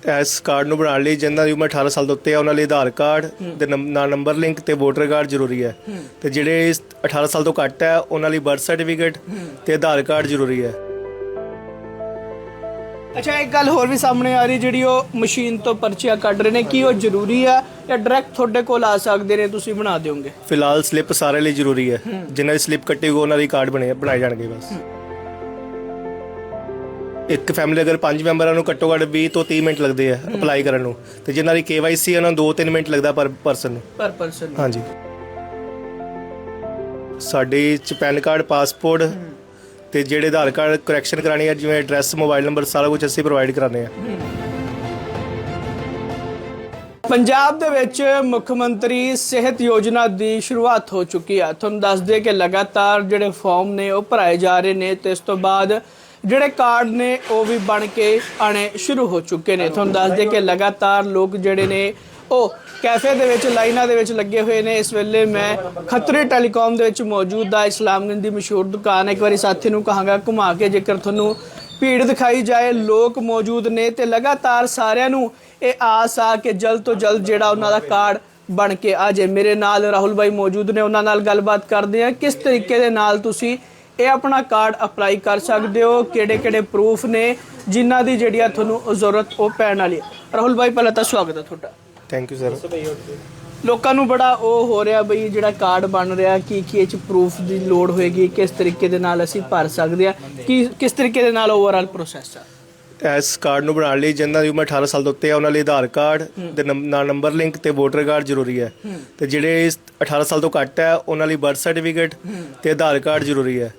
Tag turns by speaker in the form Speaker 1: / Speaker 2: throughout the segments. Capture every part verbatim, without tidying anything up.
Speaker 1: ਇਸ ਕਾਰਡ ਨੂੰ ਬਣਾਉਣ ਲਈ ਜਿਨ੍ਹਾਂ ਦੀ ਉਮਰ ਅਠਾਰਾਂ ਸਾਲ ਤੋਂ ਉੱਤੇ ਹੈ ਉਹਨਾਂ ਲਈ ਆਧਾਰ ਕਾਰਡ ਤੇ ਨਾਲ ਨੰਬਰ ਲਿੰਕ ਤੇ ਵੋਟਰ ਕਾਰਡ ਜ਼ਰੂਰੀ ਹੈ ਤੇ ਜਿਹੜੇ ਅਠਾਰਾਂ ਸਾਲ ਤੋਂ ਘੱਟ ਹੈ ਉਹਨਾਂ ਲਈ ਬਰਥ ਸਰਟੀਫਿਕੇਟ ਤੇ ਆਧਾਰ ਕਾਰਡ ਜ਼ਰੂਰੀ ਹੈ।
Speaker 2: ਅੱਛਾ, ਇੱਕ ਗੱਲ ਹੋਰ ਵੀ ਸਾਹਮਣੇ ਆ ਰਹੀ, ਜਿਹੜੀ ਉਹ ਮਸ਼ੀਨ ਤੋਂ ਪਰਚੀਆਂ ਕੱਢ ਰਹੇ ਨੇ, ਕੀ ਉਹ ਜ਼ਰੂਰੀ ਆ ਜਾਂ ਡਾਇਰੈਕਟ ਤੁਹਾਡੇ ਕੋਲ ਆ ਸਕਦੇ ਨੇ, ਤੁਸੀਂ ਬਣਾ ਦਿਓਗੇ?
Speaker 1: ਫਿਲਹਾਲ ਸਲਿੱਪ ਸਾਰੇ ਲਈ ਜ਼ਰੂਰੀ ਹੈ, ਜਿਨ੍ਹਾਂ ਦੀ ਸਲਿੱਪ ਕੱਟੀ ਹੋਈ ਉਹਨਾਂ ਦੀ ਕਾਰਡ ਬਣੇ ਬਣਾਏ ਜਾਣਗੇ ਬਸ। ਇੱਕ ਫੈਮਿਲੀ ਅਗਰ ਪੰਜ ਮੈਂਬਰਾਂ ਨੂੰ ਘੱਟੋ ਘੱਟ ਵੀਹ ਤੋਂ ਤੀਹ ਮਿੰਟ ਲੱਗਦੇ ਆ ਅਪਲਾਈ ਕਰਨ ਨੂੰ, ਤੇ ਜਿਨ੍ਹਾਂ ਦੀ ਕੇ ਵਾਈ ਸੀ ਉਹਨਾਂ ਨੂੰ ਦੋ ਤਿੰਨ ਮਿੰਟ ਲੱਗਦਾ ਪਰ ਪਰਸਨ ਨੂੰ
Speaker 2: ਪਰ ਪਰਸਨ
Speaker 1: ਹਾਂਜੀ। ਸਾਡੇ ਚ ਪੈਨ ਕਾਰਡ, ਪਾਸਪੋਰਟ ਤੇ ਜਿਹੜੇ ਆਧਾਰ ਕਾਰਡ ਕਰੈਕਸ਼ਨ ਕਰਾਣੀ ਹੈ, ਜਿਵੇਂ ਐਡਰੈਸ, ਮੋਬਾਈਲ ਨੰਬਰ, ਸਾਰਾ ਕੁਝ ਅਸੀਂ ਪ੍ਰੋਵਾਈਡ ਕਰਾਉਂਦੇ ਹਾਂ।
Speaker 2: ਪੰਜਾਬ ਦੇ ਵਿੱਚ ਮੁੱਖ ਮੰਤਰੀ ਸਿਹਤ ਯੋਜਨਾ ਦੀ ਸ਼ੁਰੂਆਤ ਹੋ ਚੁੱਕੀ ਹੈ। ਤੁਹਾਨੂੰ ਦੱਸ ਦਈਏ ਕਿ ਲਗਾਤਾਰ ਜਿਹੜੇ ਫਾਰਮ ਨੇ ਉਹ ਭਰਾਏ ਜਾ ਰਹੇ ਨੇ ਤੇ ਇਸ ਤੋਂ ਬਾਅਦ ਜਿਹੜੇ ਕਾਰਡ ਨੇ ਉਹ ਵੀ ਬਣ ਕੇ ਆਣੇ ਸ਼ੁਰੂ ਹੋ ਚੁੱਕੇ ਨੇ। ਤੁਹਾਨੂੰ ਦੱਸ ਦਈਏ ਕਿ ਲਗਾਤਾਰ ਲੋਕ ਜਿਹੜੇ ਨੇ ਉਹ ਕੈਫੇ ਦੇ ਵਿੱਚ ਲਾਈਨਾਂ ਦੇ ਵਿੱਚ ਲੱਗੇ ਹੋਏ ਨੇ। ਇਸ ਵੇਲੇ ਮੈਂ ਖੱਤਰੀ ਟੈਲੀਕਾਮ ਦੇ ਵਿੱਚ ਮੌਜੂਦ ਆ, ਇਸਲਾਮਗੰਜ ਦੀ ਮਸ਼ਹੂਰ ਦੁਕਾਨ ਹੈ। ਇੱਕ ਵਾਰੀ ਸਾਥੀ ਨੂੰ ਕਹਾਂਗਾ ਘੁਮਾ ਕੇ ਜੇਕਰ ਤੁਹਾਨੂੰ ਭੀੜ ਦਿਖਾਈ ਜਾਏ, ਲੋਕ ਮੌਜੂਦ ਨੇ ਤੇ ਲਗਾਤਾਰ ਸਾਰਿਆਂ ਨੂੰ ਇਹ ਆਸ ਆ ਕਿ ਜਲਦ ਤੋਂ ਜਲਦ ਜਿਹੜਾ ਉਹਨਾਂ ਦਾ ਕਾਰਡ ਬਣ ਕੇ ਆ ਜਾਏ। ਮੇਰੇ ਨਾਲ ਰਾਹੁਲ ਭਾਈ ਮੌਜੂਦ ਨੇ, ਉਹਨਾਂ ਨਾਲ ਗੱਲਬਾਤ ਕਰਦੇ ਆ ਕਿਸ ਤਰੀਕੇ ਦੇ ਨਾਲ ਤੁਸੀਂ ਇਹ ਆਪਣਾ ਕਾਰਡ ਅਪਲਾਈ ਕਰ ਸਕਦੇ ਹੋ, ਕਿਹੜੇ ਕਿਹੜੇ ਪ੍ਰੂਫ ਨੇ ਜਿਨ੍ਹਾਂ ਦੀ ਜਿਹੜੀ ਆ ਤੁਹਾਨੂੰ ਜ਼ਰੂਰਤ ਉਹ ਪੈਣ ਵਾਲੀ ਹੈ। ਰਾਹੁਲ ਭਾਈ ਪਹਿਲਾਂ ਤਾਂ ਸਵਾਗਤ ਹੈ ਤੁਹਾਡਾ।
Speaker 1: Thank you sir.
Speaker 2: ਲੋਕਾਂ ਨੂੰ ਬੜਾ ਉਹ ਹੋ ਰਿਹਾ ਬਈ ਜਿਹੜਾ ਕਾਰਡ ਬਣ ਰਿਹਾ, ਕੀ ਕੀ ਇਹ 'ਚ ਪ੍ਰੂਫ ਦੀ ਲੋੜ ਹੋਏਗੀ, ਕਿਸ ਤਰੀਕੇ ਦੇ ਨਾਲ ਅਸੀਂ ਭਰ ਸਕਦੇ ਹਾਂ, ਕੀ ਕਿਸ ਤਰੀਕੇ ਦੇ ਨਾਲ ਓਵਰਆਲ ਪ੍ਰੋਸੈਸ ਆ?
Speaker 1: ਇਸ ਕਾਰਡ ਨੂੰ ਬਣਾਉਣ ਲਈ ਜਿਨ੍ਹਾਂ ਦੀ ਉਮਰ ਅਠਾਰਾਂ ਸਾਲ ਤੋਂ ਉੱਤੇ ਹੈ ਉਹਨਾਂ ਲਈ ਆਧਾਰ ਕਾਰਡ ਤੇ ਨਾਲ ਨੰਬਰ ਲਿੰਕ ਤੇ ਵੋਟਰ ਕਾਰਡ ਜ਼ਰੂਰੀ ਹੈ ਤੇ ਜਿਹੜੇ ਅਠਾਰਾਂ ਸਾਲ ਤੋਂ ਘੱਟ ਹੈ ਉਹਨਾਂ ਲਈ ਬਰਥ ਸਰਟੀਫਿਕੇਟ ਤੇ ਆਧਾਰ ਕਾਰਡ ਜ਼ਰੂਰੀ ਹੈ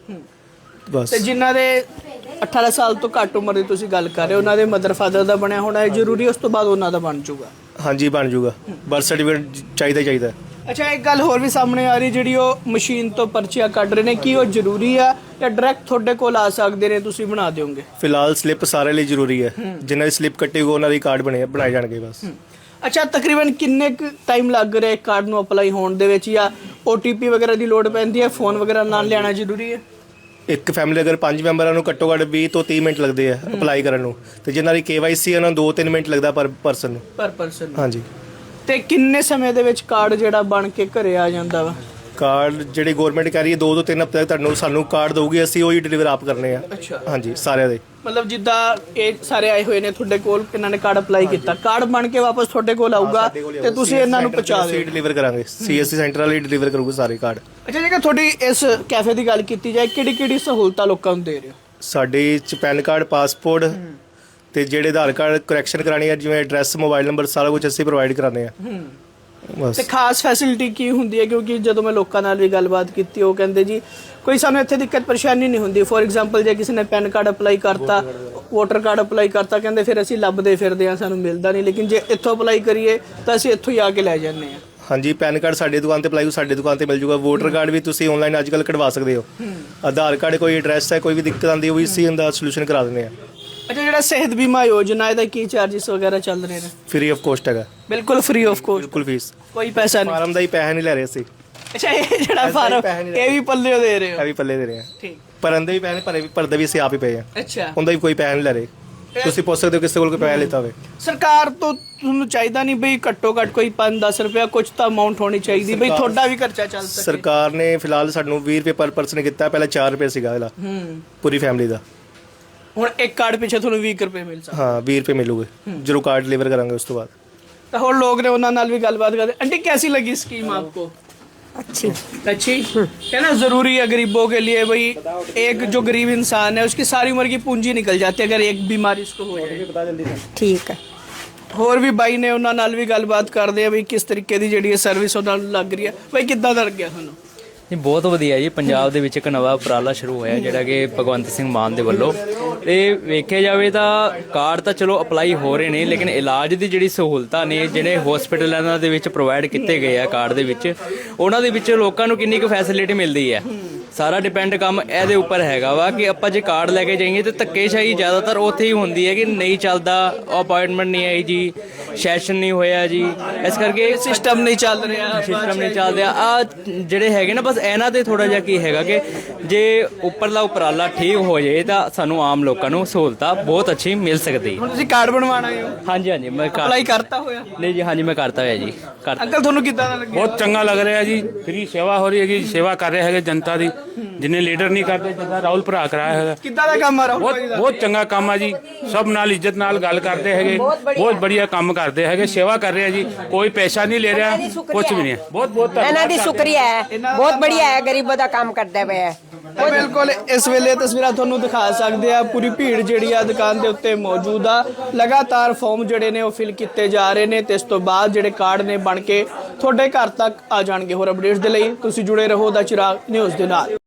Speaker 1: ਬਸ। ਤੇ
Speaker 2: ਜਿਨ੍ਹਾਂ ਦੇ ਅਠਾਰਾਂ ਸਾਲ ਤੋਂ ਘੱਟ ਉਮਰ ਦੀ ਤੁਸੀਂ ਗੱਲ ਕਰ ਰਹੇ ਹੋ, ਉਹਨਾਂ ਦੇ ਮਦਰ ਫਾਦਰ ਦਾ ਬਣਿਆ ਹੋਣਾ ਹੈ ਜ਼ਰੂਰੀ, ਉਸ ਤੋਂ ਬਾਅਦ ਉਹਨਾਂ ਦਾ ਬਣ ਜਾਊਗਾ?
Speaker 1: ਹਾਂਜੀ ਬਣ ਜਾਊਗਾ, ਬਰਥ ਸਰਟੀਫਿਕੇਟ ਚਾਹੀਦਾ ਚਾਹੀਦਾ।
Speaker 2: ਅੱਛਾ, ਇੱਕ ਗੱਲ ਹੋਰ ਵੀ ਸਾਹਮਣੇ ਆ ਰਹੀ, ਜਿਹੜੀ ਉਹ ਮਸ਼ੀਨ ਤੋਂ ਪਰਚੀਆਂ ਕੱਢ ਰਹੇ ਨੇ, ਕੀ ਉਹ ਜ਼ਰੂਰੀ ਆ ਜਾਂ ਡਾਇਰੈਕਟ ਤੁਹਾਡੇ ਕੋਲ ਆ ਸਕਦੇ ਨੇ, ਤੁਸੀਂ ਬਣਾ ਦਿਓਗੇ?
Speaker 1: ਫਿਲਹਾਲ ਸਲਿੱਪ ਸਾਰੇ ਲਈ ਜ਼ਰੂਰੀ ਹੈ, ਜਿਨ੍ਹਾਂ ਦੀ ਸਲਿੱਪ ਕੱਟੀ ਹੋਈ ਉਹਨਾਂ ਦੀ ਕਾਰਡ ਬਣੇ ਬਣਾਏ ਜਾਣਗੇ ਬਸ।
Speaker 2: ਅੱਛਾ, ਤਕਰੀਬਨ ਕਿੰਨੇ ਕੁ ਟਾਈਮ ਲੱਗ ਰਿਹਾ ਕਾਰਡ ਨੂੰ ਅਪਲਾਈ ਹੋਣ ਦੇ ਵਿੱਚ, ਜਾਂ ਓ ਟੀ ਪੀ ਵਗੈਰਾ ਦੀ ਲੋੜ ਪੈਂਦੀ ਹੈ, ਫੋਨ ਵਗੈਰਾ ਨਾਲ ਲਿਆਉਣਾ ਜ਼ਰੂਰੀ ਹੈ?
Speaker 1: ਇੱਕ ਫੈਮਿਲੀ ਅਗਰ ਪੰਜ ਮੈਂਬਰਾਂ ਨੂੰ ਘੱਟੋ ਘੱਟ ਵੀਹ ਤੋਂ ਤੀਹ ਮਿੰਟ ਲੱਗਦੇ ਆ ਅਪਲਾਈ ਕਰਨ ਨੂੰ, ਤੇ ਜਿਨ੍ਹਾਂ ਦੀ ਕੇ ਵਾਈ ਸੀ ਉਹਨਾਂ ਨੂੰ ਦੋ ਤਿੰਨ ਮਿੰਟ ਲੱਗਦਾ ਪਰ ਪਰਸਨ ਨੂੰ
Speaker 2: ਪਰ ਪਰਸਨ
Speaker 1: ਹਾਂਜੀ।
Speaker 2: ਤੇ ਕਿੰਨੇ ਸਮੇਂ ਦੇ ਵਿੱਚ ਕਾਰਡ ਜਿਹੜਾ ਬਣ ਕੇ ਘਰੇ ਆ ਜਾਂਦਾ ਵਾ?
Speaker 1: ਕਾਰਡ ਜਿਹੜੀ ਗਵਰਨਮੈਂਟ ਕਹਿ ਰਹੀ ਹੈ ਦੋ ਤੋਂ ਤਿੰਨ ਹਫ਼ਤੇ ਤੱਕ ਤੁਹਾਨੂੰ ਸਾਨੂੰ ਕਾਰਡ ਦਊਗੀ, ਅਸੀਂ ਉਹੀ ਡਿਲੀਵਰ ਆਪ ਕਰਨੇ ਆ।
Speaker 2: ਅੱਛਾ
Speaker 1: ਹਾਂਜੀ, ਸਾਰਿਆਂ ਦੇ।
Speaker 2: ਮਤਲਬ ਜਿੱਦਾਂ ਇਹ ਸਾਰੇ ਆਏ ਹੋਏ ਨੇ ਤੁਹਾਡੇ ਕੋਲ, ਇਹਨਾਂ ਨੇ ਕਾਰਡ ਅਪਲਾਈ ਕੀਤਾ, ਕਾਰਡ ਬਣ ਕੇ ਵਾਪਸ ਤੁਹਾਡੇ ਕੋਲ ਆਊਗਾ ਤੇ ਤੁਸੀਂ ਇਹਨਾਂ ਨੂੰ ਪਹੁੰਚਾ ਦਿਓ?
Speaker 1: ਡਿਲੀਵਰ ਕਰਾਂਗੇ, ਸੀ ਐਸ ਸੀ ਸੈਂਟਰ ਵਾਲੀ ਡਿਲੀਵਰ ਕਰੂਗੇ ਸਾਰੇ ਕਾਰਡ।
Speaker 2: ਅੱਛਾ, ਜੇਕਰ ਤੁਹਾਡੀ ਇਸ ਕੈਫੇ ਦੀ ਗੱਲ ਕੀਤੀ ਜਾਏ, ਕਿਹੜੀ ਕਿਹੜੀ ਸਹੂਲਤਾਂ ਲੋਕਾਂ ਨੂੰ ਦੇ ਰਹੇ ਹੋ?
Speaker 1: ਸਾਡੇ ਚ ਪੈਨ ਕਾਰਡ, ਪਾਸਪੋਰਟ ਤੇ ਜਿਹੜੇ ਆਧਾਰ ਕਾਰਡ ਕਰੈਕਸ਼ਨ ਕਰਾਣੀ ਹੈ, ਜਿਵੇਂ ਐਡਰੈਸ, ਮੋਬਾਈਲ ਨੰਬਰ, ਸਾਰਾ ਕੁਝ ਅਸੀਂ ਪ੍ਰੋਵਾਈਡ ਕਰਾਉਂਦੇ ਆ ਬਸ। ਤੇ
Speaker 2: ਖਾਸ ਫੈਸਿਲਿਟੀ ਕੀ ਹੁੰਦੀ ਹੈ? ਕਿਉਂਕਿ ਜਦੋਂ ਮੈਂ ਲੋਕਾਂ ਨਾਲ ਵੀ ਗੱਲਬਾਤ ਕੀਤੀ, ਉਹ ਕਹਿੰਦੇ ਜੀ ਕੋਈ ਸਾਨੂੰ ਇੱਥੇ ਦਿੱਕਤ ਪਰੇਸ਼ਾਨੀ ਨਹੀਂ ਹੁੰਦੀ। ਫੋਰ ਐਗਜ਼ਾਮਪਲ ਜੇ ਕਿਸੇ ਨੇ ਪੈਨ ਕਾਰਡ ਅਪਲਾਈ ਕਰਤਾ, ਵੋਟਰ ਕਾਰਡ ਅਪਲਾਈ ਕਰਤਾ, ਕਹਿੰਦੇ ਫਿਰ ਅਸੀਂ ਲੱਭਦੇ ਫਿਰਦੇ ਹਾਂ, ਸਾਨੂੰ ਮਿਲਦਾ ਨਹੀਂ, ਲੇਕਿਨ ਜੇ ਇੱਥੋਂ ਅਪਲਾਈ ਕਰੀਏ ਤਾਂ ਅਸੀਂ ਇੱਥੋਂ ਹੀ ਆ ਕੇ ਲੈ ਜਾਂਦੇ ਹਾਂ।
Speaker 1: ਹਾਂਜੀ, ਪੈਨ ਕਾਰਡ ਸਾਡੀ ਦੁਕਾਨ ਤੇ ਅਪਲਾਈ ਸਾਡੇ ਦੁਕਾਨ ਤੇ ਮਿਲ ਜੂਗਾ। ਵੋਟਰ ਕਾਰਡ ਵੀ ਤੁਸੀਂ ਆਨਲਾਈਨ ਅੱਜ ਕੱਲ੍ਹ ਕਢਵਾ ਸਕਦੇ ਹੋ। ਆਧਾਰ ਕਾਰਡ ਕੋਈ ਐਡਰੈਸ ਹੈ, ਕੋਈ ਵੀ ਦਿੱਕਤ ਆਉਂਦੀ, ਉਹ ਵੀ ਅਸੀਂ ਇਹਦਾ ਸੋਲੂਸ਼ਨ ਕਰਾ ਦਿੰਦੇ ਆ।
Speaker 2: ਅੱਛਾ, ਜਿਹੜਾ ਸਿਹਤ ਬੀਮਾ ਯੋਜਨਾ, ਇਹਦਾ ਕੀ ਚਾਰजेस ਵਗੈਰਾ ਚੱਲ ਰਹੇ ਨੇ?
Speaker 1: ਫ੍ਰੀ ਆਫ ਕੋਸਟ ਹੈਗਾ,
Speaker 2: ਬਿਲਕੁਲ ਫ੍ਰੀ ਆਫ ਕੋਸਟ,
Speaker 1: ਬਿਲਕੁਲ ਫੀਸ,
Speaker 2: ਕੋਈ ਪੈਸਾ ਨਹੀਂ।
Speaker 1: ਫਾਰਮ ਦਾ ਹੀ ਪੈਸਾ ਨਹੀਂ ਲੈ ਰਹੇ ਅਸੀਂ।
Speaker 2: ਅੱਛਾ, ਇਹ ਜਿਹੜਾ ਫਾਰਮ ਇਹ ਵੀ ਪੱਲੇ ਦੇ ਰਹੇ ਹੋ?
Speaker 1: ਇਹ ਵੀ ਪੱਲੇ ਦੇ ਰਹੇ ਆ।
Speaker 2: ਠੀਕ।
Speaker 1: ਭਰਨ ਦੇ ਵੀ ਪੈਸੇ ਭਰੇ ਵੀ ਭਰਦੇ ਵੀ ਅਸੀਂ ਆਪ ਹੀ ਪਏ ਆ।
Speaker 2: ਅੱਛਾ,
Speaker 1: ਉਹਦਾ ਵੀ ਕੋਈ ਪੈਸਾ ਨਹੀਂ ਲੈ ਰਹੇ। ਤੁਸੀਂ ਪੁੱਛ ਸਕਦੇ ਹੋ ਕਿਸੇ ਕੋਲ ਕੋਈ ਪੈਸਾ ਲਿੱਤਾ ਹੋਵੇ।
Speaker 2: ਸਰਕਾਰ ਤੋਂ ਤੁਹਾਨੂੰ ਚਾਹੀਦਾ ਨਹੀਂ ਬਈ ਘੱਟੋ ਘੱਟ ਕੋਈ ਪੰਜ ਦਸ ਰੁਪਇਆ ਕੁਝ ਤਾਂ ਅਮਾਉਂਟ ਹੋਣੀ ਚਾਹੀਦੀ ਬਈ ਤੁਹਾਡਾ ਵੀ ਖਰਚਾ ਚੱਲ ਸਕੇ? ਸਰਕਾਰ
Speaker 1: ਨੇ ਫਿਲਹਾਲ ਸਾਨੂੰ ਵੀਹ ਰੁਪਏ ਪਰ ਪਰਸਨ ਕੀਤਾ, ਪਹਿਲਾਂ ਚਾਰ ਰੁਪਏ ਸੀਗਾ ਇਹਦਾ ਪੂਰੀ ਫੈਮਿਲੀ ਦਾ।
Speaker 2: ਹੁਣ ਇੱਕ ਕਾਰਡ ਪਿੱਛੇ ਤੁਹਾਨੂੰ ਵੀਹ ਰੁਪਏ ਮਿਲ ਸਕਦੇ?
Speaker 1: ਹਾਂ, ਵੀਹ ਰੁਪਏ ਮਿਲੂਗੇ ਜਦੋਂ ਕਾਰਡ ਡਿਲੀਵਰ ਕਰਾਂਗੇ ਉਸ ਤੋਂ ਬਾਅਦ।
Speaker 2: ਤਾਂ ਹੋਰ ਲੋਕ ਨੇ, ਉਹਨਾਂ ਨਾਲ ਵੀ ਗੱਲਬਾਤ ਕਰਦੇ। ਆंटी कैसी लगी स्कीम आपको?
Speaker 3: अच्छी
Speaker 2: अच्छी है ना? जरूरी है गरीबों के लिए भाई, एक जो गरीब इंसान है उसकी सारी उम्र की पूंजी निकल जाती है अगर एक बीमारी उसको हो जाए।
Speaker 3: ठीक है।
Speaker 2: ਹੋਰ ਵੀ ਬਾਈ ਨੇ, ਉਹਨਾਂ ਨਾਲ ਵੀ ਗੱਲਬਾਤ ਕਰਦੇ ਆ ਵੀ ਕਿਸ ਤਰੀਕੇ ਦੀ ਜਿਹੜੀ ਸਰਵਿਸ ਉਹਨਾਂ ਨੂੰ ਲੱਗ ਰਹੀ ਹੈ। ਬਾਈ ਕਿੱਦਾਂ ਦਾ ਲੱਗਿਆ ਤੁਹਾਨੂੰ?
Speaker 4: ਜੀ ਬਹੁਤ ਵਧੀਆ ਜੀ। ਪੰਜਾਬ ਦੇ ਵਿੱਚ ਇੱਕ ਨਵਾਂ ਉਪਰਾਲਾ ਸ਼ੁਰੂ ਹੋਇਆ ਜਿਹੜਾ ਕਿ ਭਗਵੰਤ ਸਿੰਘ ਮਾਨ ਦੇ ਵੱਲੋਂ। ਤੇ ਵੇਖਿਆ ਜਾਵੇ ਤਾਂ ਕਾਰਡ ਤਾਂ ਚਲੋ ਅਪਲਾਈ ਹੋ ਰਹੇ ਨੇ, ਲੇਕਿਨ ਇਲਾਜ ਦੀ ਜਿਹੜੀ ਸਹੂਲਤਾਂ ਨੇ ਜਿਹੜੇ ਹਸਪੀਟਲਾਂ ਦੇ ਵਿੱਚ ਪ੍ਰੋਵਾਈਡ ਕੀਤੇ ਗਏ ਆ ਕਾਰਡ ਦੇ ਵਿੱਚ, ਉਹਨਾਂ ਦੇ ਵਿੱਚ ਲੋਕਾਂ ਨੂੰ ਕਿੰਨੀ ਕੁ ਫੈਸਿਲਿਟੀ ਮਿਲਦੀ ਹੈ? ਸਾਰਾ ਡਿਪੈਂਡ ਕੰਮ ਇਹਦੇ ਉੱਪਰ ਹੈਗਾ ਵਾ ਕਿ ਆਪਾਂ ਜੇ ਕਾਰਡ ਲੈ ਕੇ ਜਾਈਏ ਤੇ ਧੱਕੇਸ਼ਾਹੀ ਜ਼ਿਆਦਾਤਰ ਉੱਥੇ ਹੀ ਹੁੰਦੀ ਹੈ ਕਿ ਨਹੀਂ ਚੱਲਦਾ, ਅਪਾਇੰਟਮੈਂਟ ਨਹੀਂ ਆਈ ਜੀ, ਸੈਸ਼ਨ ਨਹੀਂ ਹੋਇਆ ਜੀ, ਇਸ ਕਰਕੇ
Speaker 2: ਸਿਸਟਮ ਨਹੀਂ ਚੱਲ ਰਿਹਾ,
Speaker 4: ਸਿਸਟਮ ਨਹੀਂ ਚੱਲ ਰਿਹਾ। ਆ ਜਿਹੜੇ ਹੈਗੇ ਨਾ ਬਸ ਇਹਨਾਂ ਤੇ ਥੋੜਾ ਜਿਹਾ ਕੀ ਹੈਗਾ ਕਿ ਜੇ ਉੱਪਰਲਾ ਉਪਰਾਲਾ ਠੀਕ ਹੋ ਜਾਏ ਤਾਂ ਸਾਨੂੰ ਆਮ ਲੋਕਾਂ ਨੂੰ ਸਹੂਲਤਾਂ ਬਹੁਤ ਅੱਛੀ ਮਿਲ ਸਕਦੀ।
Speaker 2: ਹੁਣ ਤੁਸੀਂ ਕਾਰਡ ਬਣਵਾਉਣਾ ਹੈ,
Speaker 4: ਹਾਂਜੀ ਹਾਂਜੀ ਮੈਂ ਕਰ
Speaker 2: ਅਪਲਾਈ ਕਰਤਾ ਹੋਇਆ?
Speaker 4: ਨਹੀਂ ਜੀ, ਹਾਂਜੀ ਮੈਂ ਕਰਤਾ ਹੋਇਆ ਜੀ। ਕਰ
Speaker 2: ਅੰਕਲ ਤੁਹਾਨੂੰ ਕਿੱਦਾਂ ਦਾ ਲੱਗਿਆ?
Speaker 3: ਬਹੁਤ ਚੰਗਾ ਲੱਗ ਰਿਹਾ ਜੀ। ਫ੍ਰੀ ਸੇਵਾ ਹੋ ਰਹੀ ਹੈਗੀ, ਸੇਵਾ ਕਰ ਰਹੇ ਹੈਗੇ ਜਨਤਾ ਦੀ, ਜਿੰਨੇ ਲੀਡਰ ਨਹੀਂ ਕਰਦੇ, ਜਿੱਦਾਂ ਰਾਹੁਲ ਭਰਾ ਕਰਾਇਆ ਹੈਗਾ।
Speaker 2: ਕਿੱਦਾਂ ਦਾ ਕੰਮ ਆ ਰਾਹੁਲ
Speaker 3: ਬਹੁਤ
Speaker 2: ਭਾਈ ਦਾ?
Speaker 3: ਬਹੁਤ ਚੰਗਾ ਕੰਮ ਆ ਜੀ। ਸਭ ਨਾਲ ਇੱਜ਼ਤ ਨਾਲ ਗੱਲ ਕਰਦੇ ਹੈਗੇ, ਬਹੁਤ ਬੜੀਆ ਕੰਮ ਕਰਦੇ ਹੈਗੇ, ਸੇਵਾ ਕਰ ਰਹੇ ਆ ਜੀ। ਕੋਈ ਪੈਸਾ ਨਹੀਂ ਲੈ ਰਿਹਾ, ਕੁਝ ਵੀ ਨਹੀਂ। ਬਹੁਤ ਬਹੁਤ
Speaker 5: ਇਹਨਾਂ
Speaker 3: ਧੰਨਵਾਦ
Speaker 5: ਦੀ ਸ਼ੁਕਰੀਆ ਹੈ, ਬਹੁਤ ਬੜੀਆ ਹੈ, ਗਰੀਬਾਂ ਦਾ ਕੰਮ ਕਰਦਾ ਪਿਆ ਹੈ।
Speaker 2: ਤਾਂ ਬਿਲਕੁਲ ਇਸ ਵੇਲੇ ਤਸਵੀਰਾਂ ਤੁਹਾਨੂੰ ਦਿਖਾ ਸਕਦੇ ਆ, ਪੂਰੀ ਭੀੜ ਜਿਹੜੀ ਆ ਦੁਕਾਨ ਦੇ ਉੱਤੇ ਮੌਜੂਦ ਆ। ਲਗਾਤਾਰ ਫਾਰਮ ਜਿਹੜੇ ਨੇ ਉਹ ਫਿਲ ਕੀਤੇ ਜਾ ਰਹੇ ਨੇ ਤੇ ਇਸ ਤੋਂ ਬਾਅਦ ਜਿਹੜੇ ਕਾਰਡ ਨੇ ਬਣ ਕੇ ਤੁਹਾਡੇ ਘਰ ਤੱਕ ਆ ਜਾਣਗੇ। ਹੋਰ ਅਪਡੇਟਸ ਦੇ ਲਈ ਤੁਸੀਂ ਜੁੜੇ ਰਹੋ ਦਾ ਚਿਰਾਗ ਨਿਊਜ਼ ਦੇ ਨਾਲ।